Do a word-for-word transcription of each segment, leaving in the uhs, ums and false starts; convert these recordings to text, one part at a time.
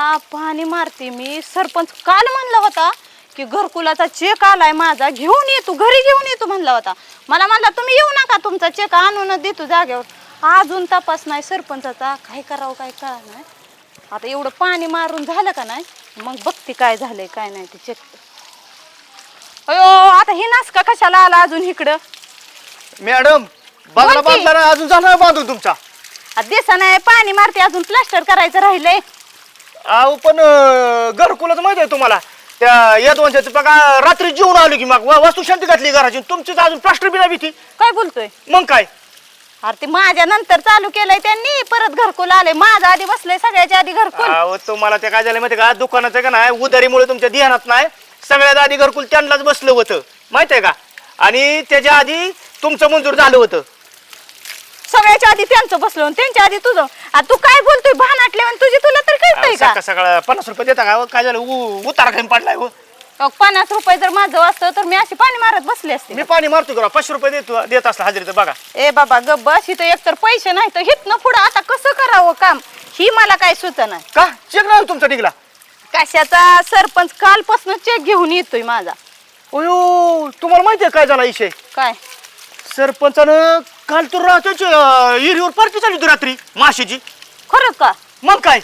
पाणी मारते मी. सरपंच काल म्हणला होता की घरकुलाचा चेक आलाय माझा, घेऊन ये तू, घरी घेऊन ये तू म्हणला होता. मला म्हणला तुम्ही येऊ नका, तुमचा चेक आणून देतो जागेवर. अजून तपास नाही सरपंचाचा. काय करावं काय कळा नाही. आता एवढं पाणी मारून झालं का नाही, मग बघते काय झालंय काय नाही ते चेक. अयो आता हे नास का कशाला आला अजून इकडं? मॅडम बांधला बांधला ना अजून झाला बांधून तुमचा. दिसा नाही पाणी मारते, अजून प्लास्टर करायचं राहिलंय. अहो पण घरकुलच माहित आहे तुम्हाला, त्या यदवंशाचं बघा रात्री जेवून आलो की मग वस्तू शांती घातली घराची, तुमचीच अजून प्लास्टर बी नाही भीती. काय बोलतोय? मग काय अरे ते माझ्या नंतर चालू केलंय त्यांनी, परत घरकुल आलंय. माझा आधी बसलंय सगळ्याच्या आधी घरकुल. अहो तुम्हाला ते काय झालं माहिती का, दुकानाचं का नाही उधारीमुळे तुमच्या ध्यानात नाही, सगळ्यात आधी घरकुल त्यांनाच बसलं होतं माहित आहे का, आणि त्याच्या आधी तुमचं मंजूर झालं होतं. सगळ्याच्या आधी त्यांचं बसलं, त्यांच्या आधी तुझं. आता तू काय बोलतोय भानाटले तुझी, तुला तर कळतंय का? सकाळ सकाळ पन्नास रुपये देता का? काय झालं उ- उतारा खाली पडलाय हो. अहो, पन्नास रुपये जर माझं असतं तर मी अशी पाणी मारत बसले असते. मी पाणी मारतो का? पाचशे रुपये देतो देत असला हजेरी तर बघा. ए बाबा गप बस, इथं एकतर पैसे नाही तर हितनं पुढं आता कसं करावं काम, ही मला काय सुचना. का चेक नाही तुमचा निघला? कशाचा? सरपंच कालपासून चेक घेऊन येतोय माझा. अयो तुम्हाला माहिती आहे काय झाला विषय? काय? सरपंचानं काल तर रात्रीची एरियावर पार्टी चालली होती रात्री माशीची. खरंच का? मग काय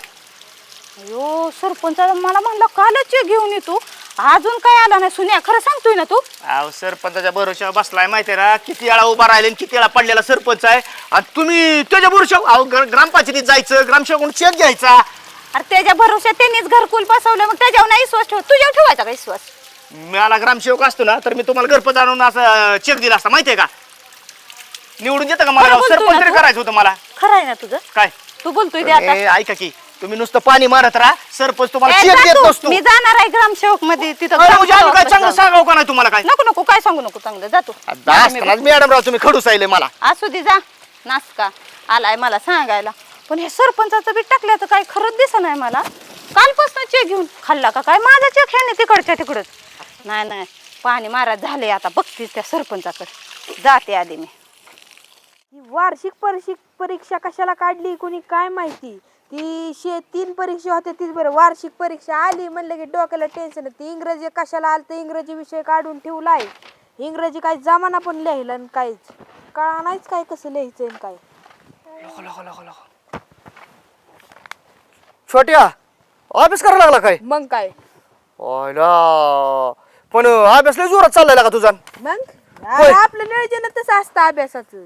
अयो सरपंचाला मला म्हणलं कालच चेक घेऊन येतो, अजून काय आला नाही. सुन्या खरं सांगतोय ना तू? अहो सरपंचाच्या भरोशावर बसलाय माहिती आहे ना, किती वेळा उभा राहिले किती वेळा पडलेला सरपंच आहे, आणि तुम्ही त्याच्या भरोशावर अहो ग्रामपंचायतीत जायचं, ग्रामसेवकडून चेक घ्यायचा. अरे त्याच्या भरोश्यात त्यांनीच घरकुल बसवलं, मग त्याच्यावर नाही विश्वास ठेव, तुझ्यावर ठेवायचा का विश्वास? मला ग्रामसेवक असतो ना तर मी तुम्हाला घरपत आणून असं चेक दिला असता माहितीये का. निवडून देता का मला? खरं बोलतोय सरपंच ना तरी तू? करायचं होतं मला. खरं आहे ना तुझं? काय तू बोलतोय ते आता? ए, ऐका की तुम्ही नुसतं पाणी मारत राहा, सरपंच तुम्हाला ए, चेक जा देत तू. नसतो. मी जाणार आहे ग्रामसेवक मध्ये, तिथं अरे, म्हणजे आम्ही काय ग्रामसेवक चांगलं जाऊ. सांगावं का नाही तुम्हाला? काय नको नको काय सांगू नको, चांगलं जातो. मॅडम राव तुम्ही खडूस आले मला. असू दे जा, नासका आलाय मला सांगायला. पण हे सरपंचाचं बी टाकल्याचं काय खरंच दिसत नाही मला. कालपासून चेक घेऊन खाल्ला का काय माझा चेक? ह्याने तिकडच्या तिकडच. नाही नाही पाणी मारत झाले, आता बघतीस त्या सरपंचाकडे जाते आधी मी. वार्षिक परीक्षिक परीक्षा कशाला काढली कोणी काय माहिती. ती शे तीन परीक्षा होत्या तीच बरं, वार्षिक परीक्षा आली म्हणलं की डोक्याला टेन्शन. ती इंग्रजी कशाला आलं तर इंग्रजी विषय काढून ठेवलाय. इंग्रजी काय जमाना पण लिहिलं आणि काहीच कळा नाहीच काय कसं लिहायचं काय. छोट्या अभ्यास करायला लागला काय? मग काय पण अभ्यास लय जोरात चाललाय का तुझा? मग अरे आपलं नियोजन तसं असतं अभ्यासाचं.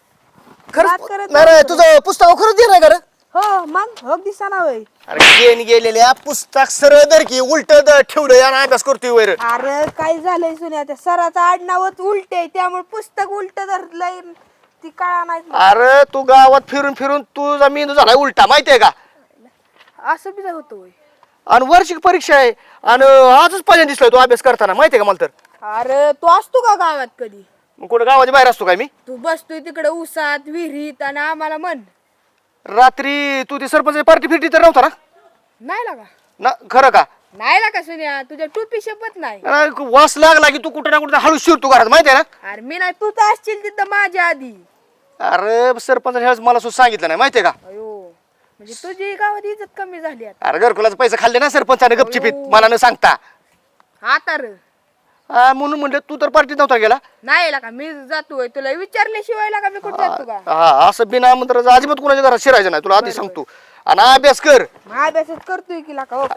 बात करत खरंच नाही रे, तुझं पुस्तक खरंच दे नाही का रे? हो मग हो दिसाना वय. अरे गेन गेलेल्या पुस्तक सरळ दर की उलट ठेवलं आणि अभ्यास करतोय वैर. अरे काय झालंय सुन्या, त्या सराचं आडनावच उलट आहे त्यामुळे पुस्तक उलट धरलंय, ती कळा नाही. अरे तू गावात फिरून फिरून तुझा मेंदू झालाय उलटा माहितीये का? असं बी होतं वय. आणि वार्षिक परीक्षा आहे आणि आजच पहिल्यांदा दिसलाय तू अभ्यास करताना माहितीये का मला तर. अरे तू असतो का गावात कधी? मग कुठं गावाच्या बाहेर असतो काय मी? तू बसतोय तिकडे उसात विहिरीत आणि आम्हाला म्हण. रात्री तू ती सरपंच पार्टी फिरती तर नव्हता ना? नाही लागा ना खरं का? नाही लागा सुन्या, तुझ्या टोपी शपथ नाही. अरे, वास लागला की तू कुठं ना कुठं हळू शिरतो घरात माहितीये ना? अरे मी नाही, तू तर असशील तिथं माझ्या आधी. अरे सरपंच ह्याच मला सुद्धा सांगितलं नाही माहितीये का? अयो म्हणजे तुझी गावात इज्जत कमी झाली आता. अरे घरकुलाचा पैसे खाल्ले ना सरपंचाने गपचिपीत मला न सांगता. आता र हा, म्हणून म्हणलं तू तर पार्टीत नव्हता गेला. नाही लागा मी जातोय, तुला विचारल्याशिवाय लागा मी कुठे जातो का? हा असं बिना आमंत्रण अजिबात कुणाच्या घरात शिरायचं नाही, तुला आधी सांगतो. आणि अभ्यास कर. मग अभ्यासच करतोय की लागा. हो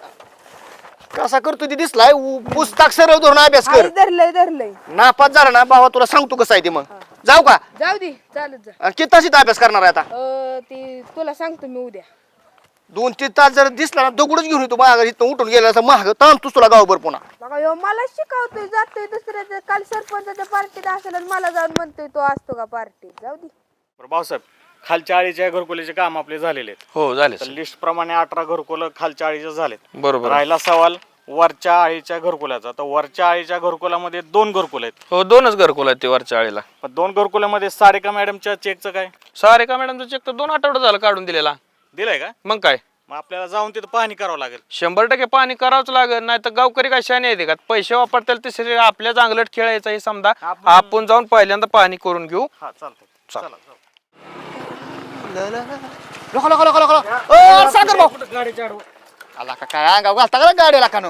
कसा करतो ती दिसलाय, उ- पुस्तक सरळ धरून अभ्यास कर. हाय, धरलंय धरलंय. नापास झाला ना भावा तुला सांगतो कसं आहे ते. मग जाऊ का? जाऊ दे चालत जा. आणि किती तासीत अभ्यास करणार आहे आता? अं, ती तुला सांगतो मी उद्या. दोन तीन तास जर दिसला ना दगडच घेऊन येतो माझ्या घरी, इथनं उठून गेला असं महाग ताणतोस तुला गावभर पुन्हा. बघा यो मला शिकवतोय, जातोय दुसऱ्याच्या. काल सरपंचाच्या पार्टीत असेल आणि मला जाऊन म्हणतोय तो असतो का पार्टीत. जाऊ दे. बरं भाऊसाहेब, खालच्या आळीच्या घरकुलीचे काम आपले झालेले आहेत. हो झाले तर लिस्ट प्रमाणे अठरा घरकुल खालच्या आळीचे झालेत. बरोबर. राहिला सवाल वरच्या आळीच्या घरकुलाचा. तर वरच्या आळीच्या घरकुलामध्ये दोन घरकुल आहेत. हो दोनच घरकुल आहेत ते वरच्या आळीला. पण दोन घरकुलामध्ये सारिका मॅडमच्या चेकचं काय सारिका मॅडमचा चेक तर दोन आठवडे झालं काढून दिलेला. दिलंय का? मग काय मग आपल्याला जाऊन तिथं पाहणी करावं लागेल. शंभर टक्के पाणी करावंच लागेल, नाही तर गावकरी काय शाने येते का? पैसे वापरतील ते आपल्या चांगलट खेळायचं हे समजा. आपण- आपण जाऊन पहिल्यांदा पाहणी करून घेऊ. हा चालतंय. चल. चला जाऊ. लोका लोका लोका लोका लोका. अ, सागर भाऊ गाडीच्या आडवं. आला का काय अंगाव घालता का गाडीला का नो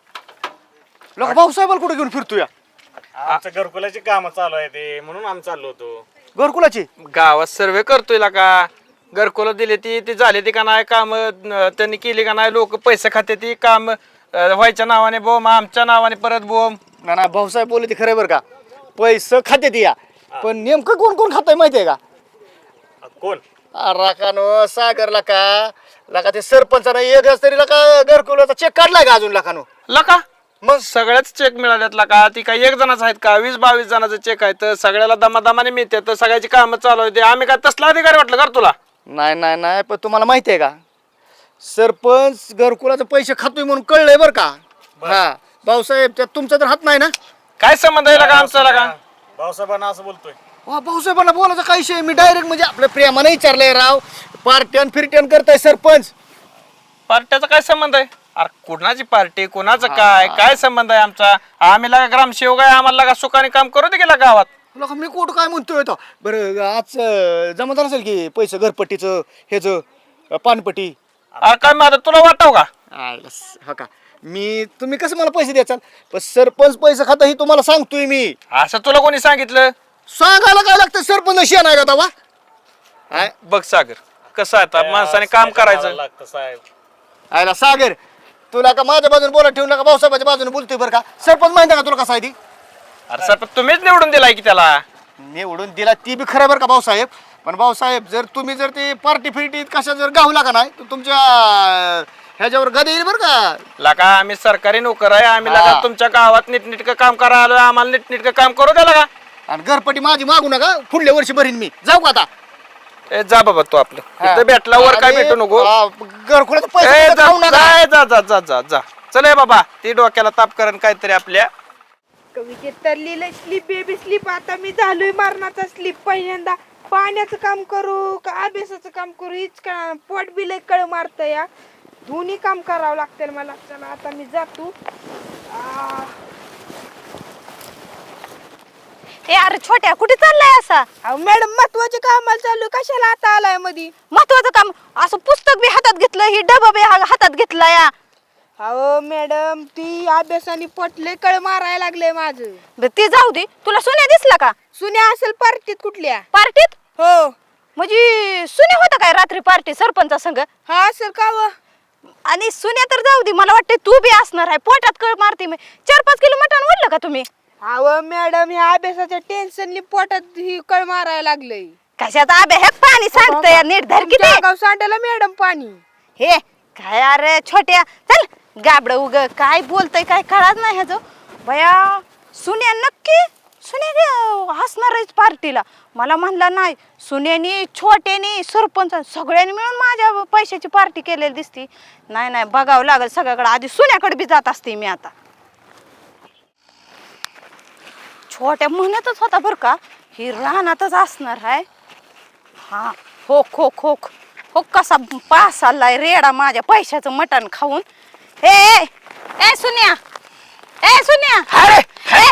लोक भाऊसाहेबाला कुठे घेऊन फिरतो या आमच्या घरकुलाची कामं चालू आहे ते म्हणून आम्ही चाललो होतो. घरकुलाची गावात सर्वे करतोय का घरकुला दिली ती ती झाली ती का नाही काम त्यांनी केली का नाही लोक पैसे खाते ती काम व्हायच्या नावाने बोम आमच्या नावाने परत बोम. ना ना भाऊसाहेब बोलले ते खरं बरं का पैसे खाते ती या पण नेमकं कोण कोण खाताय माहितीये का आ, कोण राखानो सागरला का लका ते सरपंचानं एक तरी लका घरकुलाचा चेक काढलाय का अजून लकानो लका मग सगळ्याच चेक मिळाल्यात का ती काय एक जणाच आहेत का वीस बावीस जणांचे चेक आहेत तर सगळ्याला दमादमाने मिळते तर सगळ्याची कामं चालू होते आम्ही काय तसला अधिकारी वाटलं कर तुला. नाही नाही नाही पण तुम्हाला माहिती आहे का सरपंच घरकुलाचे पैसे खातोय म्हणून कळलंय बरं का. हा भाऊसाहेब त्यात तुमचा तर हात नाही ना. काय संबंध आहे का आमचा का भाऊसाहेबांना असं बोलतोय. वा भाऊसाहेबांना बोलायचं काही विषय मी डायरेक्ट म्हणजे आपल्या प्रेमानं विचारलंय राव पार्ट्यान फिरट्यान करताय सरपंच. पार्ट्याचा काय संबंध आहे अरे कुणाची पार्टी कुणाचं काय काय संबंध आहे आमचा आम्ही लागा ग्रामसेवक आहे आम्हाला लागा सुखाने काम करू दे गेला गावात. लोक मी कुठं काय म्हणतोय तो बरं आज अं, जमा झालं असेल की पैसे घरपट्टीचं ह्याचं अं, पानपट्टी. अरे काय माझं तुला वाटाव का आयला स- हा का मी तुम्ही कसं मला पैसे द्याचाल पण सरपंच पैसे खाता ही तुम्हाला सांगतोय मी. असं तुला कोणी सांगितलं सांगायला काय लागतं सरपंच शेण आहे का तवा आय- बघ सागर कसं आहे आता माणसाने काम करायचं. लागतं साहेब. आयला सागर तुला का माझ्या बाजूने बोला ठेवून नका भाऊसाहेबाच्या बाजूने बोलतोय बरं का सरपंच माहिती आहे का तुला कसा आहे ती अरे सर तुम्हीच निवडून दिलाय की त्याला. निवडून दिला ती बी खरं बरं का भाऊसाहेब पण भाऊसाहेब जर तुम्ही जर ते पार्टी फिरटी कशा जर गावला का नाही तर तुमच्या ह्याच्यावर गद येईल बरं का. लागा आम्ही सरकारी नोकर आहे आम्ही हा. लागा तुमच्या गावात नीटनीटकं काम करा आलो आम्हाला नीटनीटकं काम करू द्या लागा. आणि घरपट्टी माझी मागू नका पुढल्या वर्षी भरीन मी जाऊ का आता. ए जा बाबा तू आपलं इथं भेटला वर काय आणि, भेटू नको. आ, घरकुलाचे ए, पैसे जा खाऊ नका. जा जा जा जा जा जा चल ए बाबा ती डोक्याला ताप करण काहीतरी आपल्या. कवितेत तर लिहिलंय स्लीप बेबी स्लीप आता मी झालोय मरणाचा स्लीप पहिल्यांदा पाण्याचं काम करू का अभ्यासाचं काम करू हीच का पोट बी लय कळ मारत या दोन्ही काम करावं लागतं मला. चला आता मी जातो. आ, ए अरे छोट्या कुठे चाललाय असा अहो मॅडम महत्वाचे कामाला चालू कशाला आता आलाय मधी. महत्वाचं काम असं पुस्तक बी हातात घेतलं ही डबा बी हा- हातात घेतला या. अहो मॅडम ती अभ्यासाने पोटले कळ मारायला लागले माझं. बरं, ते जाऊ दे तुला सुन्या दिसला का सुन्या असेल पार्टीत कुठल्या. पार्टीत. हो म्हणजे सुन्या होता काय रात्री पार्टी सरपंचा संग हा असेल का व आणि सुन्या तर जाऊ दे मला वाटतं तू बी असणार आहे पोटात कळ मारते मी चार पाच किलो मटण वाढलं का तुम्ही. अहो मॅडम ह्या अभ्यासाच्या टेन्शननी पोटात ही कळ मारायला लागलंय. कशात आबे हे पाणी सांगतंय नीट धर किती गाव सांडायला मॅडम पाणी. हे काय अरे छोट्या चल गाबड उग काय बोलतय काय कळत नाही ह्याचं बया. सुन्या नक्की सुन्या हसणार पार्टीला मला म्हणला नाही सुन्यानी छोट्यानी सरपंच सगळ्यांनी मिळून माझ्या पैशाची पार्टी केलेली दिसती. नाही नाही बघावं लागेल सगळ्याकडे आधी सुन्याकडे बी जात असते मी आता. छोट्या म्हणतच होता बरं का ही रानातच असणार आहे. हा हो खो खो हो कसा पास आलाय रेडा माझ्या पैशाचं मटण खाऊन. ए ए, ए सुन्या ए सुन्या अरे ए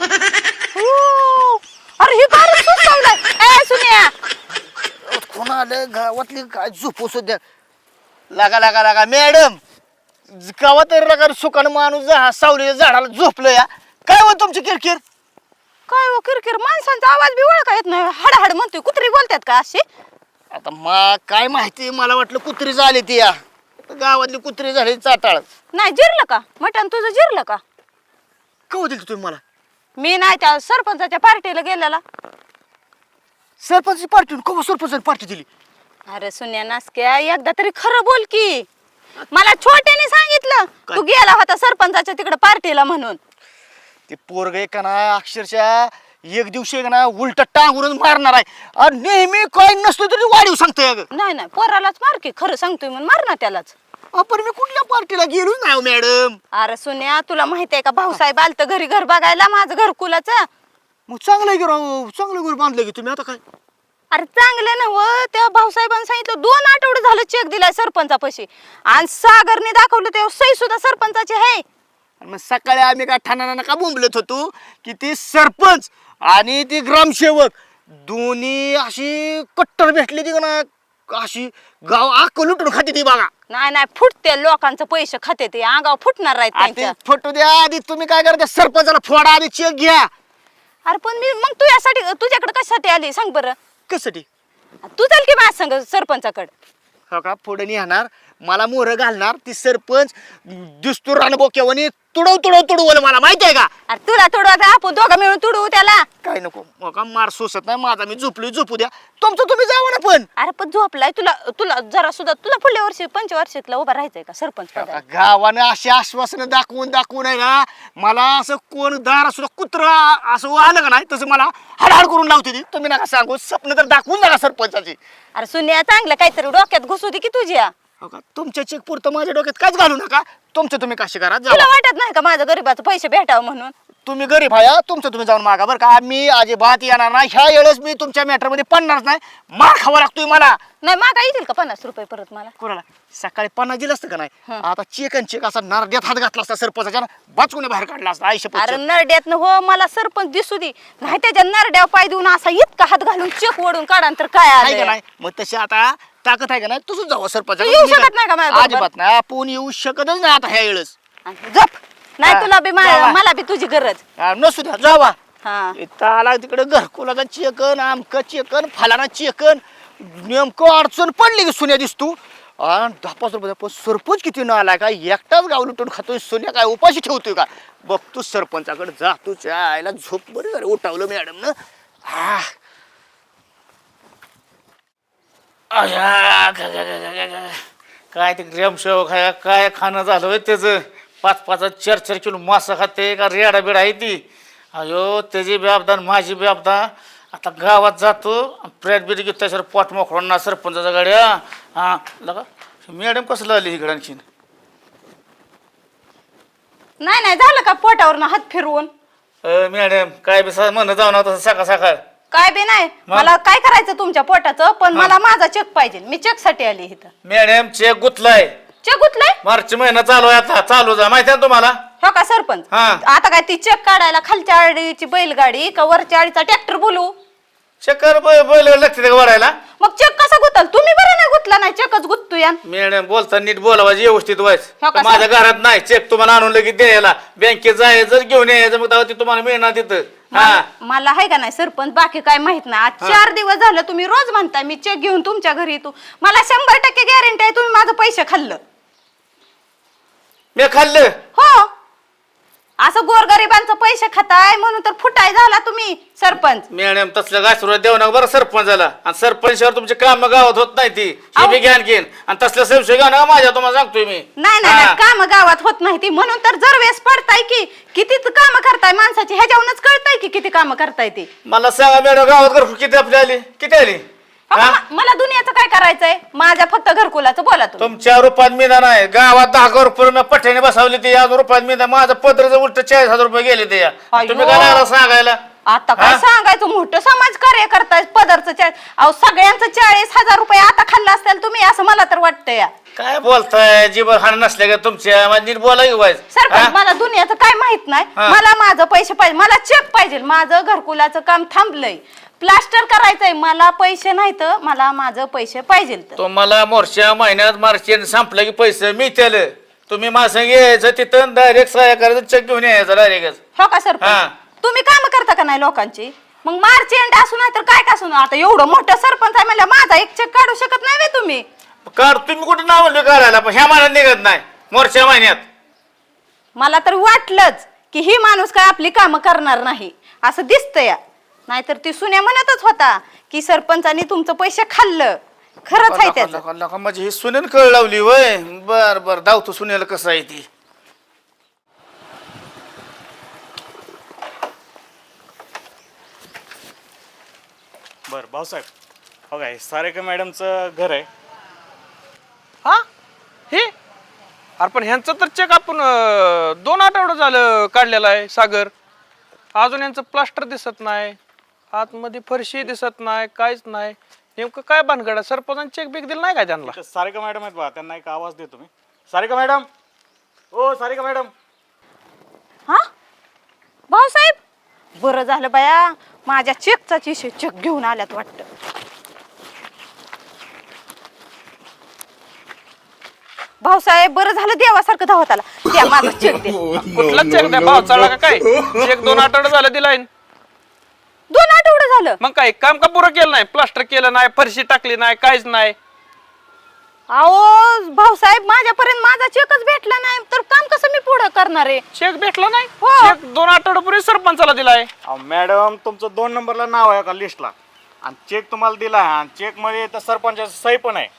ऊ, अरे ही काय सुचवलंय ए सुन्या. कोणाला गावातली काय झोपू सध्या लागा लागा लागा मॅडम गावा तरी लागा सुकान माणूस जा सावलीच्या झाडाला झोपलं या काय हो तुमची किरकिर. काय हो किरकिर माणसांचा आवाज बी ओळखा येत नाही हडहड म्हणतोय कुत्री बोलतात का अशी. आता मा काय माहिती मला वाटलं कुत्री झाली ती या गावातली कुत्री झाली चाटाळ. नाही जिरलं का मटण तुझं जिरलं का. कव दिली तुम्ही मला मी नाही त्या सरपंचाच्या पार्टीला गेलेला. सरपंच पार्टी कवा सरपंच पार्टी दिली. अरे सुन्या नासक्या एकदा तरी खरं बोल की मला छोट्याने सांगितलं तू गेला होता सरपंचाच्या तिकडे पार्टीला म्हणून. ते पोरग का ना अक्षरशः एक दिवशी का ना उलट टांगूनच मारणार आहे आणि नेहमी काय नसतो तरी वाढीव सांगतोय अगं. नाही नाही पोरालाच मार की खरं सांगतोय म्हणून मार ना त्यालाच. आपण मी कुठल्या पार्टीला गेलो नाही मॅडम. अरे सुन्या तुला माहितीये का भाऊसाहेब आलत घरी घर बघायला माझं घरकुलाचं. मग चांगलं आहे की राव चांगलं घर बांधलं की तुम्ही आता काय. अरे चांगलं ना व त्या भाऊसाहेबांनी सांगितलं दोन आठवडे झालं चेक दिलाय सरपंचापाशी आणि सागरने दाखवलं ते सही सुद्धा सरपंचाची आहे. आणि मग सकाळी आम्ही काय ठाण्याला का बोंबलत होतो की ते सरपंच आणि ते ग्रामसेवक दोन्ही अशी कट्टर भेटली ती का ना अशी गाव आक लुटून खाते ती बघा. नाही नाही फुटते लोकांचं पैसे खाते ते अंगावर फुटणार आहेत आधी त्यांच्या फोटो द्या आधी तुम्ही काय करता सरपंचाला फोडा आधी चेक घ्या अरे पण मी मग तू यासाठी तुझ्याकडे कशासाठी आली सांग बरं कशासाठी तू चाल की माझ्या संग सरपंचाकडे हो का पुढे येणार मला मोहर घालणार ती सरपंच दिसतो रानबोक्यावानी तुडव तुडव तुडवलं मला माहिती आहे का अरे तुला तुडू आता आपण दोघं मिळून तुडू त्याला काय नको हो का मार सोसत नाही माझा मी झोपली झोपू द्या तुमचं तुम्ही जावं ना पण अरे पण झोपलाय तुला तुला जरा सुद्धा तुला पुढल्या वर्षी पंचवार्षिकला उभा राहायचंय का सरपंच पदाला? गावानं अशी आश्वासनं दाखवून दाखवून आहे ना मला असं कोण दार सुद्धा कुत्रा असं आलं का नाही तसं मला हडहड करून लावते ती तुम्ही नका सांगू स्वप्न तर दाखवून नका सरपंचाची अरे सुन्या चांगलं काहीतरी डोक्यात घुसू दे की तुझ्या हो का तुमच्या चेक पुरतं माझ्या डोक्यात काच घालू नका तुमचं तुम्ही कशी करा तुला जावा वाटत नाही का माझं गरीबाचं पैसे भेटावं म्हणून तुम्ही गरीब आहे तुमचं तुम्ही जाऊन मागा बरं का मी अजिबात येणार नाही ह्या वेळेस मी तुमच्या मॅटर मध्ये पडणारच नाही मार खावा लागतोय मला नाही मागा येतील का पन्नास रुपये परत मला कोणाला सकाळी पन्नास दिलं असतं का नाही हं. आता चेक आणि चेक असा नरड्यात हात घातला असता सरपंचाच्या बाचकुने बाहेर काढला असता आयुष्य अरे नरड्यात हो मला सरपंच दिसू दे नाही त्याच्या नरड्यावर पाय देऊन असा इतका हात घालून चेक ओढून काढा तर काय आहे का आलं नाही मग तशी आता ताकद आहे का नाही तसंच जावं सरपंच तू येऊ शकत नाही का माझ्याबरोबर? अजिबात नाही आपण येऊ शकतच नाही आता ह्या वेळेस जप नाही हा, तुला बी मा- जावा. मला बी तुझी गरज हा, नसू द्या जावा हा इथं आला तिकडे घरकुलाचा चेकन आमक चेकन फलाना चेकन नेमकं अडचण पडली की सोन्या दिसतो आणि दहा पाच रुपये पण सरपंच किती न आलाय का एकटाच गाव लुटून खातोय सोन्या काय उपाशी ठेवतोय का बघतो सरपंचाकडे जातो आयला झोप बरी झाली उठावलं मॅडम न हा अया, ग- ग- ग- ग- ग- ग. काय ते ग्रामसेवक आहे काय खाणं झालं होय त्याचं पाच पाच चार चार किलो मासा खाते का रेडा बिडा आहे ती अयो त्याची बेअबदा माझी बेअबदा आता गावात जातो प्रेट बिट घेतो त्याच्यावर पोट मोकळून ना सरपंचाच्या गाड्या हा लगा मॅडम कसं लागली इकडे आणखीन नाही नाही झालं का पोटावरनं हात फिरवून अ, मॅडम काय बी सा- म्हणणं जाऊ ना तसं सकाळ सकाळ काय बी नाही मग? मला काय करायचं तुमच्या पोटाचं पण मला माझा चेक पाहिजे मी चेक साठी आली इथं मॅडम चेक गुतलाय चेक गुतलाय मार्च महिना चालू आहे आता चालू जा माहिती आहे ना तुम्हाला हो का सरपंच हा. आता काय ती चेक काढायला खालच्या आडीची बैलगाडी का वरच्या आडीचा ट्रॅक्टर बोलू चक्कर बैल लागते का वाढायला मग चेक कसा गुतल तुम्ही बरं नाही गुतला नाही चेकच गुततो या मॅडम बोलता नीट बोलावायची व्यवस्थित हो व्हायचं का, माझ्या घरात नाही चेक तुम्हाला आणून लगेच द्यायला बँकेत जायचं जर घेऊन यायचं मग तेव्हा ते तुम्हाला मिळणार तिथं हा मला मला आहे का नाही सरपंच बाकी काय माहित नाही आज चार दिवस झालं तुम्ही रोज म्हणताय मी चेक घेऊन तुमच्या घरी येतो मला शंभर टक्के गॅरंटी आहे तुम्ही माझं पैसे खाल्लं मी खाल्लं हो असं गोरगरिबांचं पैसे खाताय म्हणून तर फुटाय झाला तुम्ही सरपंच मॅडम तसलं गायसुरात देऊ नका बरं सरपंचाला आणि सरपंचावर तुमचे काम गावात होत नाही ती हे अहो. बी घ्यान घेईन आणि तसलं संशय घ्या नका माझ्या तुम्हाला सांगतोय मी नाही नाही हा. नाही, काम गावात होत नाही ती म्हणून तर जर वेळेस पडताय की किती काम करताय माणसाची ह्याच्यावरूनच कळताय की किती काम करताय ती मला सांगा मॅडम गावात घर किती आपली आली किती आली अहो, हा? म- मला दुनियाचं काय करायचंय माझ्या फक्त घरकुलाचं बोला तुम्ही तुमच्या रुपयात मिळणार नाही गावात दहा हजार रुपये पठ्याने बसवली ते आज रुपयात मिळणार माझं पत्रचं उलट चाळीस हजार रुपये गेले ते या. अयो. तुम्ही काय लागला सांगायला आता काय हा? सांगायचं मोठं समाज कार्य करताय पदरचं चाळीस अहो सगळ्यांचं चाळीस हजार रुपये आता खाल्लं असतील तुम्ही असं मला तर वाटतं या काय बोलताय जीवन हाण नसल्या का तुमच्या माझी नीट बोला की व्हायचं सरपंच मला दुनियाचं काय माहित नाही हा. मला माझं पैसे पाहिजे मला चेक पाहिजे माझं घरकुलाचं काम थांबलंय प्लास्टर करायचंय मला पैसे नाही तर मला माझं पैसे पाहिजे तर तुम्हाला मोर्च्या महिन्यात मार्च संपलं की पैसे मिळतील तुम्ही माझं यायचं तिथं डायरेक्ट सहाय्य करायचं चेक घेऊन यायचं डायरेक्ट हो का हा. सरपंच तुम्ही काम करता का नाही लोकांची मग मार्च एंड असू नाही तर काय का असू आता एवढं मोठं सरपंच आहे म्हणलं माझा एक चेक काढू शकत नाही व्हय तुम्ही कार तुम्ही कुठे नाव म्हणलं काढायला पण ह्या महिन्यात निघत नाही मोर्च्या महिन्यात मला तर वाटलंच की ही माणूस काय आपली कामं करणार नाही असं दिसतंय नाहीतर ती सुन्या म्हणतच होता की सरपंचानी तुमचं पैसे खाल्लं खरंच आहे त्याचं लका- लका म्हणजे ही सुनेल कळ लावली वय बर बर धावतो सुनेल कसं आहे ती बरं भाऊसाहेब हो काय सारेका मॅडमचं घर आहे हा हे अरे पण ह्यांचं तर चेक आपण अं, दोन आठवडं झालं काढलेलं आहे सागर अजून यांचं प्लास्टर दिसत नाही आतमध्ये फरशी दिसत नाही काहीच नाही नेमकं काय भानगड आहे सरपंचाने चेक बिक दिलं नाही का त्यांना इथं सारिका मॅडम आहेत बा त्यांना एक आवाज देतो मी सारिका मॅडम ओ सारिका मॅडम हा भाऊसाहेब बरं झालं बाया माझ्या चेकचाच विषय चेक घेऊन आल्यात वाटतं भाऊसाहेब बरं झालं देवासारखं धावत आला त्या माझा चेक दे कुठला चेक द्या भाव चालला का काय चेक दोन आठवडे झालं दिलाय दोन आठवडे झालं मग काय काम का पुरं केलं नाही प्लास्टर केलं नाही फरशी टाकली नाही काहीच नाही अहो भाऊसाहेब माझ्यापर्यंत माझा चेकच भेटला नाही तर काम कसं मी पुढं करणार आहे चेक भेटला नाही हो. चेक दोन आठवड्यापूर्वी सरपंचाला दिलाय अहो, मॅडम तुमचं दोन नंबरला नाव आहे का लिस्टला आणि चेक तुम्हाला दिला आहे आणि चेक मध्ये तर सरपंचाचं सही पण आहे.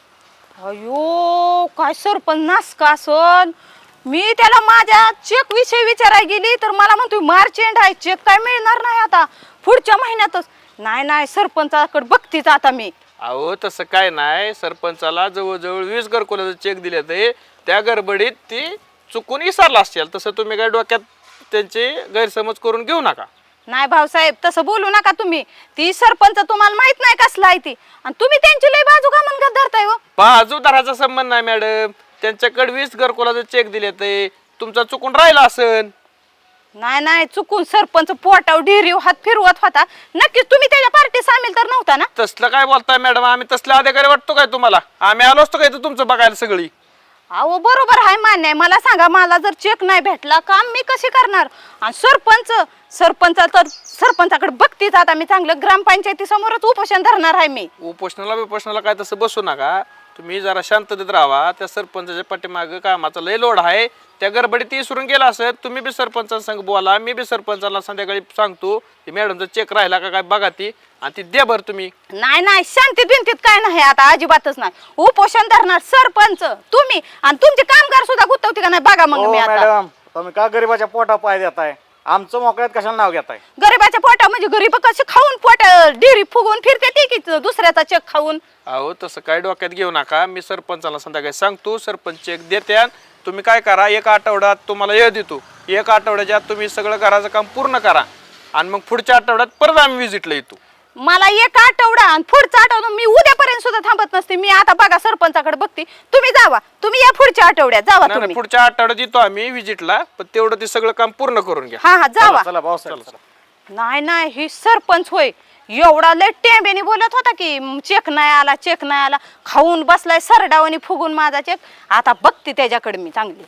अयो काय सरपंच नास का असन मी त्याला माझ्या चेक विषयी विचारायला गेली तर मला म्हणतो मार्च एंड आहे चेक काय मिळणार नाही आता पुढच्या महिन्यातच नाही नाही सरपंचाकडे बघतीच आता मी अहो तसं काय नाही सरपंचाला जवळजवळ वीस घरकुलाचं चेक दिले ते त्या गडबडीत ती चुकून विसरला असेल तसं तुम्ही काय डोक्यात त्यांचे गैरसमज करून घेऊ नका नाही भाऊसाहेब तसं बोलू नका तुम्ही ती सरपंच तुम्हाला माहित नाही कसला आहे ती आणि तुम्ही त्यांची लय बाजू का म्हणत धरताय हो बाजूदाराचा संबंध नाही मॅडम त्यांच्याकडे वीस घरकुलाचं चेक दिले ते तुमचा चुकून राहिला असन नाही नाही चुकून सरपंच पोटाव ढिरीव हात फिरवत होता नक्कीच तुम्ही त्याच्या पार्टी सामील तर नव्हता ना तसलं काय बोलताय मॅडम आम्ही तसले अधिकारी वाटतो काय तुम्हाला आम्ही आलो असतो काय तर तुमचं बघायला सगळी अहो बरोबर आहे मान्य आहे मला सांगा मला जर चेक नाही भेटला काम मी कशी करणार आणि सरपंच सरपंच तर सरपंचाकडे बघतीच आता मी चांगलं ग्रामपंचायती समोरच उपोषण धरणार आहे मी उपोषणाला बिपोषणाला काय तसं बसू नका तुम्ही जरा शांततेत राहा त्या सरपंचाच्या पाठीमागं कामाचा लय लोड आहे त्या गडबडीत ती विसरून गेला असेल तुम्ही बी सरपंचांसंग बोला मी बी सरपंचाला संध्याकाळी सांगतो की मॅडमचा चेक राहिला का काय बघा ती आणि ती द्या बरं तुम्ही नाही नाही शांतीत बिंतीत काय नाही आता अजिबातच नाही उपोषण धरणार सरपंच तुम्ही आणि तुमचे कामगार सुद्धा गुंतवते का नाही बघा मग हो मी आता मॅडम तुम्ही का गरीबाच्या पोटा पाय देताय आमचं मोकळ्यात कशाला नाव घेताय गरीबाच्या पोटा म्हणजे गरीब कसे खाऊन पोट डिरी फुगून फिरते ती की दुसऱ्याचा चेक खाऊन अहो तसं काय डोक्यात घेऊ नका मी सरपंचाला संध्याकाळी सांगतो सरपंच चेक देते तुम्ही काय करा एक आठवड्यात तुम्हाला हे देतो एक आठवड्याच्या आत तुम्ही सगळं घराचं काम पूर्ण करा आणि मग पुढच्या आठवड्यात परत आम्ही व्हिजिटला येतो मला एक आठवडा आणि पुढचा आठवडा मी उद्यापर्यंत सुद्धा थांबत नसते मी आता बघा सरपंचाकडे बघते तुम्ही जावा तुम्ही या पुढच्या आठवड्यात जावा नाही, तुम्ही पुढच्या आठवड्यात येतो आम्ही व्हिजिटला पण तेवढं ते सगळं काम पूर्ण करून घ्या हा हा जावा चला भाऊसाहेब चला. नाही नाही ही सरपंच होय एवढा लय टेंबेने बोलत होता की "म, चेक नाही आला चेक नाही आला खाऊन बसलाय सरडावणी फुगून माझा चेक आता बघते त्याच्याकडे मी चांगली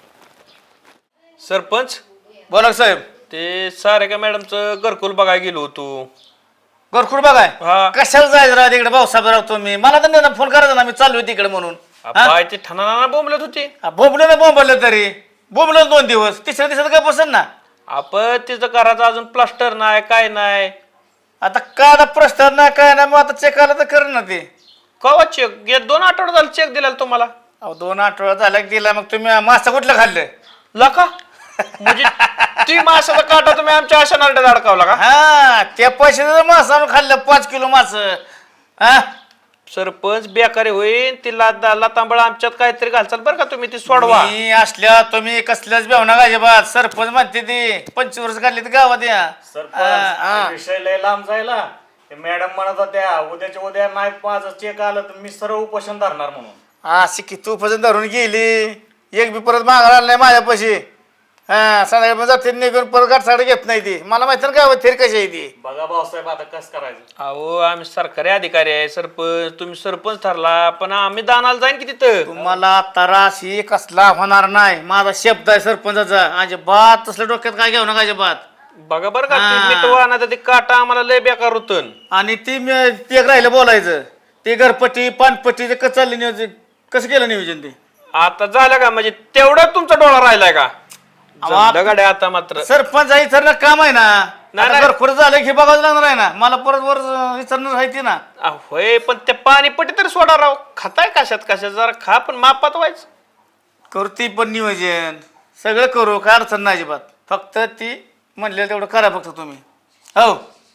सरपंच बोला साहेब ते सारे का मॅडमचं घरकुल बघायला गेलो होतो घरकुल बघाय हा. कशाला जायचं राव तिकडे भाऊसाहेब राव तुम्ही मला तर नाही फोन करायचा ना मी चालू तिकडे म्हणून बाय ते ठाणा बोंबलत होते बोंबलं ना बोंबलं तरी बोंबलं दोन दिवस तिसऱ्या दिवसात काय बसन ना आपण तिचं करायचं अजून प्लास्टर नाही काय नाही आता काय आता प्रश्न नाही काय नाही मग आता चेक आला तर कर ना ते कवा चेक गे दोन आठवडे झाले चेक दिला तुम्हाला अहो दोन आठवडा झाला की दिला मग तुम्ही मासा कुठलं खाल्लं लका म्हणजे ती माशाचा काटा तुम्ही आमच्या अशा नारड्यात अडकावला का हा त्या पैशाचं मासा आणून खाल्लं पाच किलो मास हा सरपंच बेकारी होईल ती लादा लातांबळ आमच्यात काहीतरी घालचाल बरं का तुम्ही ती सोडवा मी असल्या तुम्ही कसल्याच बेवना अजिबात सरपंच म्हणते ती पंचवर्ष काढली तर गावात या सरपंच विषय लय लांब जायला ते मॅडम म्हणत होत्या उद्याच्या उद्या नाही माझं चेक आलं तर मी सर्व उपोषण धरणार म्हणून अशी किती उपजन धरून गेली एक बी परत मागायला आला नाही माझ्या पैसे हा संध्याकाळी जाते निघून परत गाठसाड घेत नाही ती मला माहिती ना गावात थेर कशी आहे ती बघा भाऊसाहेब आता कसं करायचं अहो आम्ही सरकारी अधिकारी आहे सरपंच तुम्ही सरपंच ठरला पण आम्ही दानाला जाईन की तिथं तुम्हाला त्रास ही कसला होणार नाही माझा शब्द आहे सरपंचाचा अजिबात तसल्या डोक्यात काय घेऊ नका अजिबात बघा बरं का हा. ती मिटवा ना ते काटा आम्हाला लय बेकार होतं आणि ती मी- ते एक राहिलं बोलायचं ते घरपट्टी पानपट्टी ते कसं चाललं नियोजन कसं केलं नियोजन ते आता झालं का म्हणजे तेवढा तुमचा डोळा राहिलाय का आवा- जमलं गाड्या आता मात्र सरपंच आहे इथं काम आहे ना नाही, आता नाही. घरखोर झालं की बघावं लागणार आहे ना मला परत वर विचारणार आहे ती ना अहो, होय पण ते पाणी पट्टी तरी सोडा राव खाताय कशात कशात जरा खा पण मापात व्हायचं करू ती पण नियोजन सगळं करू काय अडचण नाही अजिबात फक्त ती म्हणलेलं तेवढं करा फक्त तुम्ही हो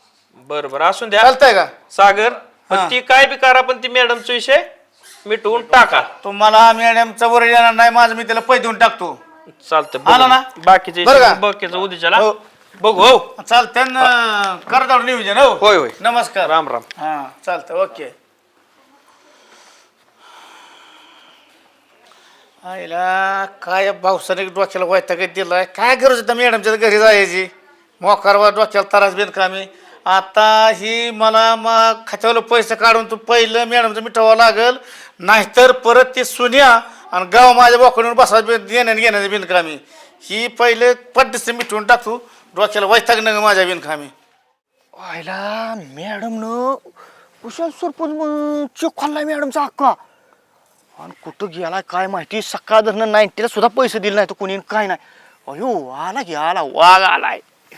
बरं बरं असून द्या चालतंय का सागर पण हा. ती काय बी करा पण ती मॅडमचा विषय मिटवून टाका तुम्हाला मॅडमचा वर येणार नाही माझं मी त्याला पैसे देऊन टाकतो चालतं आला ना? बाकीचे बरं का? बाकीचं उद्याच्याला हो. बघू हो चालतंय ना करा तेवढं नियोजन हो होय होय नमस्कार राम राम हा चालतं ओके आईला काय भाऊसाने डोक्याला वैताग दिलाय काय गरज होतं मॅडमच्या घरी जायची मोकारवा डोक्याला त्रास बिन कामी आता ही मला मग खात्यावर पैसे काढून तू पहिलं मॅडमचं मिठवावं लागल नाहीतर परत ती सुन्या आणि गाव माझ्या बोकडून बसायचं येण्याने घेण्याचं बिनकामी. ही पहिले पट्टीस मिटवून टाकतो, डोक्याला वैताग नग माझ्या बिनकामी. व्हायला मॅडम न कुशल सरपंच चेक खाल्लाय मॅडमचा हक्का. आणि कुठं गेला काय माहिती, सकाळ धरणं नाईन्टीला सुद्धा पैसे दिले नाही तर कोणी काय नाही. अयो आला की आला, वाघ आलाय.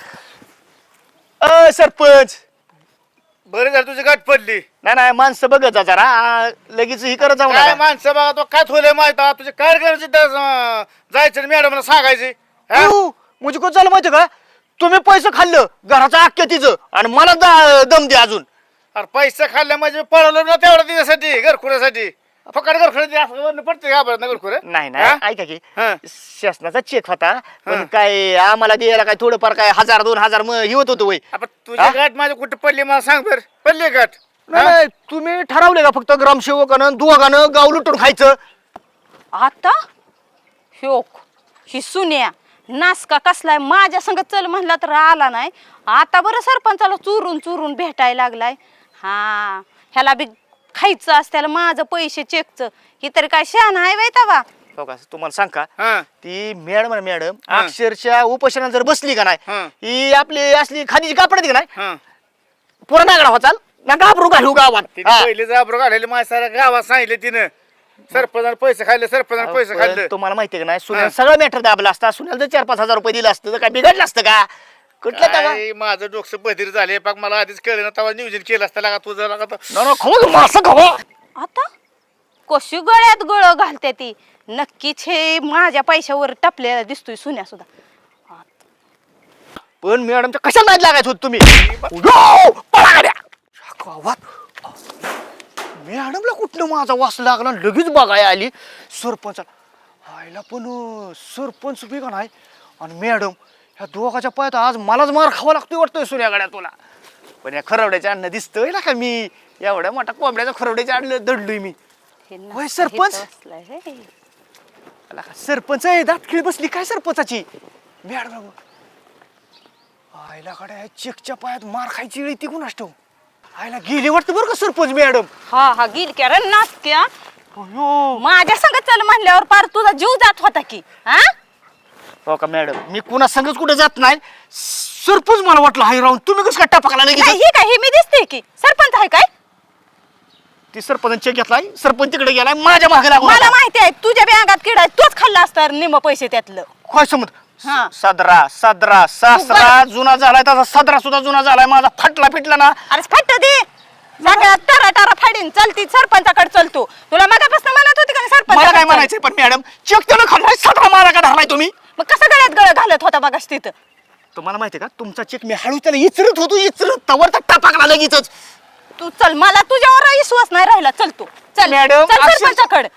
अ सरपंच, बरं झालं तुझी गाठ पडली. नाही नाही माणसं बघत जा जरा, आ, लगेच ही करत जाऊ काय नका. माणसं बघा तो काय थोले माहित आहे, तुझे काय करायचे त्या, अं, जायचं मॅडमला सांगायचे. हा? अयो, म्हणजे कोण झालं माहिती का, तुम्ही पैसे खाल्लं घराचं अख्ख्या तिचं आणि मला दा- दम दे अजून. अरे पैसे खाल्ले म्हणजे पळवलं ना तेवढं तिच्यासाठी, घरखुऱ्यासाठी. फकड घरखुऱ्या असं पडते का बरं घरखुऱ्या. नाही नाही ऐका की, हा. शासनाचा चेक होता पण काय आम्हाला द्यायला काय थोडंफार काय हजार दोन हजार मग हे होत होतं वय. आपण तुझी गाठ माझी कुठे पडली मला सांग बर. पडली गाठ. नाही नाही, तुम्ही ठरवले का फक्त ग्रामसेवकानं दोघानं गाव लुटून खायचं? आता ह्योक ही सुन्या नासका कसलाय माझ्या संग चल म्हणला तर आला नाही. आता बरं सरपंचाला चुरून चुरून भेटायला लागलाय. हा ह्याला बी खायचं असत्याला माझं पैसे चेकचं. ही तरी काय शहाणा आहे बाई तवा. हो का, तुम्हाला सांग का, हा. ती मॅडम आहे मॅडम हा. अक्षरशः उपोषणात जर बसली का नाही, हा. ही आपली असली खादीची कापड का नाही, हा. पुरा नागडा होचाल ना घाबरू घालू गावात. तिने हा. पहिले जाबरो काढलेले माझ्या साऱ्या गावात सांगितले तिनं. सरपंचाने पैसे खाल्ले, सरपंचाने पैसे पण खाल्ले. तुम्हाला माहितीये का नाही, हा. सुन्याला सगळं मॅटर दाबला असता. सुन्याला जर चार पाच हजार रुपये दिलं असतं तर काय बिघडलं असतं का? कुठलं तेव्हा काय माझं डोकं बधीर झाले पाक. मला आधीच कळलं ना तेव्हा नियोजन केलं असतं लागा तुझं लागा तर. न खाऊ मासं खावा. आता कशी गळ्यात गळ घालते ती. नक्कीच हे माझ्या पैशावर टपलेला दिसतोय सुन्या सुद्धा. पण मॅडमच्या कशाला नाही लागायचं होत तुम्ही? यो, पळा गाड्या. गावात मॅडमला कुठनं माझा वास लागला आणि लगेच बघायला आली सरपंच. आईला पण अं, सरपंच बी का नाही आणि मॅडम ह्या दोघाच्या पायात आज मलाच मार खावा लागतोय वाटतोय सुन्या गाड्या तुला. पण या खरवड्याच्या अन्न दिसतोय ना का मी एवढ्या मोठा कोंबड्याच्या खरवड्याच्या आणलं दडलोय मी. हे होय, नासका सरपंच? इथं असलाय हे. आला का सरपंच आहे, दातखिळी बसली काय सरपंचाची. मॅडम आईला कडे चेकच्या पायात मार खायची वेळ ती कुणास ठाऊक. आईला गेली वाटतं बरं का सरपंच मॅडम. हा हा गिल क्या रे नासक्या. अयो. माझ्या संग चल म्हणल्यावर पार तुझा जीव जात होता की. हा हो का मॅडम, मी कुणा संगच कुठे जात नाही. सरपंच मला वाटलं हाय राहून तुम्ही कसं काय टापकला नाही, लगेच. ही काय ही मी दिसते की सरपंच आहे काय. ती सरपंच चेक घेतलाय, सरपंच तिकडे गेलाय माझ्या मागे लागून. मला माहिती आहे तुझ्या बँकात किडा तोच खाल्ला असता निम पैसे त्यातलं. काय समज हा. सदरा सदरा सासरा जुना झालाय, तसा सदरा सुद्धा जुना झालाय माझा. फाटला फिटला ना. अरे फट दे सगळ्या टरा टरा फाडीन चलती सरपंचाकडे चलतो. तुला मगापासून म्हणत होती का नाही सरपंच? मला काय म्हणायचंय पण मॅडम, चेक त्यानं खाल्लाय, सदरा मारा का धरलाय तुम्ही? मग कसं गळ्यात गळ घालत होता बघास तिथं. तुम्हाला माहितीये का, तुमचा चेक मी हळू त्याला इचरत होतो, इचरत तवर तर टापकला लगेचच. तू चल मला तुझ्यावर विश्वास नाही राहिला. चल तू चल मॅडम, चल अक्षर- सरपंचाकडे.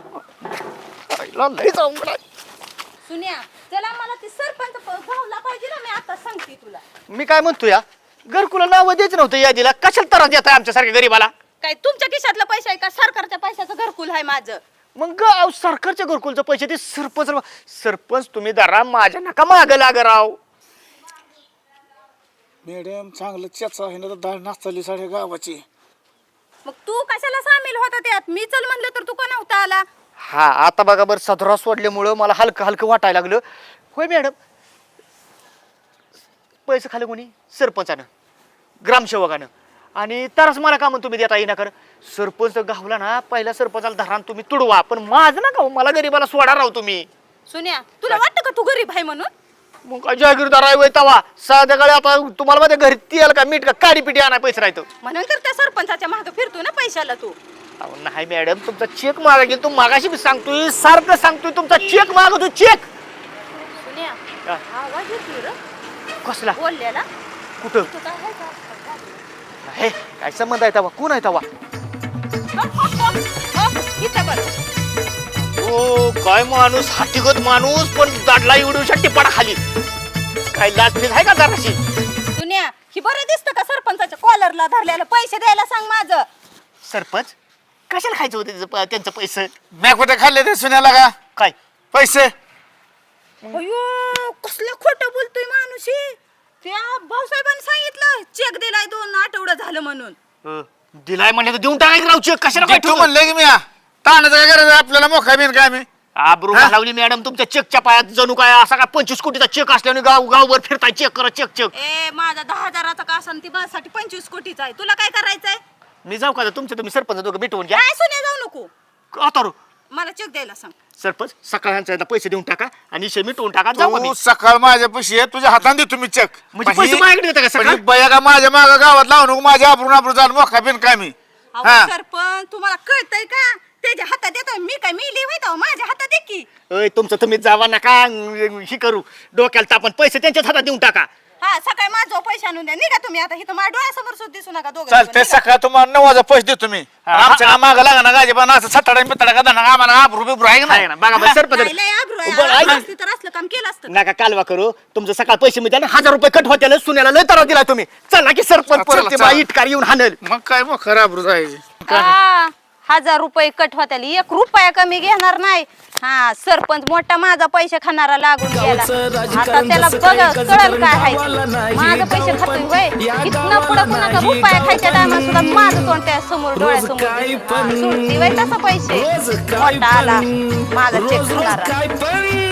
आईला लय अवघड आहे. सुन्या चला मला ती सरपंच भावला पाहिजे ना. मी आता सांगते तुला. मी काय म्हणतो या घरकुला नाव द्यायचं नव्हतं यादीला, कशाला त्रास देत आहे आमच्यासारख्या गरीबाला? काय तुमच्या खिशातलं पैसे आहे का सरकारच्या पैशाचं घरकुल आहे माझं? मग गाव सरकारच्या घरकुलचे पैसे ते सरपंच सरपंच तुम्ही दरा माझ्या नका माग लाग राव. मॅडम चांगलं चेचा आहे ना तर दाळ नाचली साड्या गावाची. मग तू कशाला सामील होता त्यात? मी चल म्हणलं तर तू का नव्हता आला? हा आता बघा बरं, सदरा सोडल्यामुळं मला हलकं हलकं वाटायला लागलं. होय मॅडम, पैसे खाले कोणी? सरपंचानं, ग्रामसेवकानं. आणि तरच मला का म्हणून तुम्ही देता येईना कर. सरपंच गावला ना, पहिल्या सरपंचाला धरा तुम्ही तुडवा, पण माझं ना गाव मला गरीबाला सोडा राव तुम्ही. सुन्या तुला वाटतं का तू गरीब आहे म्हणून? मग काय जागीरदार आहे वय तवा संध्याकाळी आता तुम्हाला माझ्या घरी तेल का मीठ का काडी पिटी आणाय पैसे राहतो. म्हणून तर त्या सरपंचाच्या मागे फिरतो ना पैशाला तू. अहो नाही मॅडम, तुमचा चेक मागा गेला, तू मागाशी मी सांगतोय, सारखं सांगतोय तुमचा चेक मागतो चेक. सुन्या हा. आवाज येतोय रे कसला? बोललेला. कुठं? तू काय आहे का? हे काय संबंध आहे तवा? कोण आहे तवा? हप, हप, हप. हप, इथं बरं. ओ काय माणूस, हातीगत माणूस, पण दाडला एवढी टिपाडा खाली. काय लाजमीज आहे का जराशी? सुन्या ही बरं दिसतं का सरपंचाच्या कॉलरला धरलेलं? पैसे द्यायला सांग माझं. सरपंच कशाला खायचं होतं त्याचं प- त्यांचं पैसे? मी कुठे खाल्ले ते सुन्याला का काय पैसे? अयो कसलं खोटं बोलतोय माणूस हे. त्या भाऊसाहेबांनी सांगितलं चेक दिलाय दोन आठवडं झालं म्हणून. अ, दिलाय म्हणले तर देऊन टाकायचं राव चेक. कशाला काय तू ठेवलं? म्हणलं की मी ताणाचं काय करायचं आपल्याला मोका बिन काय मी आबरू घालवली मॅडम तुमच्या चेकच्या पायात. जणू काय असा काय पंचवीस कोटीचा चेक असल्याने गाव गावभर फिरताय चेक करा चेक चेक. ए माझा दहा हजाराचा का असन ती माझ्यासाठी पंचवीस कोटीचा आहे. तुला काय करायचंय? मी जाऊ का तुमचं तुम्ही सरपंच दोघं मिटवून घ्या. काय सुने जाऊ नको. आता रो. मला चेक द्यायला सांग. सरपंच सकाळच्या पैसे देऊन टाका आणि इशे मिटवून टाका. जाऊ का मी? तू सकाळ माझ्या पैसे आहे, तुझ्या हाताने देतो मी चेक. म्हणजे पैसे माझ्याकडे देता का सकाळ? बया का माझ्या माग गावात लावू नको, माझ्या आबरून आबरून जाऊन मोका बिन काय मी. अहो हा. सरपंच तुम्हाला कळतंय का? त्याच्या हातात देतो मी काय मी लिहितो माझ्या हातात दे की. ओय तुमचं तुम्ही जावा नका ही करू डोक्याला तापण. पैसे त्यांच्याच हातात देऊन टाका. हा सकाळी माझं पैसे आणून द्या. निघा तुम्ही आता. इथं माझ्या डोळ्यासमोर सुद्धा दिसू नका दोघं. चालतंय, सकाळ तुम्हाला नऊ वाजा पैसे देतो मी. आमच्या माग लागा ना गाजी पण असं सटाडा बितडा का धना आम्हाला आबरू बिबरू आहे आहे ना. ना बघा बघा, सरपंच नाही, लय आब्रू आहे. बरं, ऐक. आब्रू असती तर असलं काम केलं असतं. नका कालवा करू. तुमचं सकाळ पैसे मी द्या हजार रुपये कट होते सुन्याला लय त्रास दिला तुम्ही. चला की सरपंच चला, परत ते चला. बा इटकार येऊन हाणल. मग काय मग खरं आबरू जायची. हा, हजार रुपये कट होत्याल एक रुपया कमी घेणार नाही. हा सरपंच मोठा माझा पैसे खाणारा लागून गेला. आता त्याला बघ कळल काय आहे ते. माझं पैसे खातोय होय. इथनं पुढं कुणाचा रुपया खायच्या टायमा सुद्धा माझं तोंड त्या समोर डोळ्यासमोर दिसणार. सुटती वय तसं पैसे. मोठा आला माझा चेक खाणारा.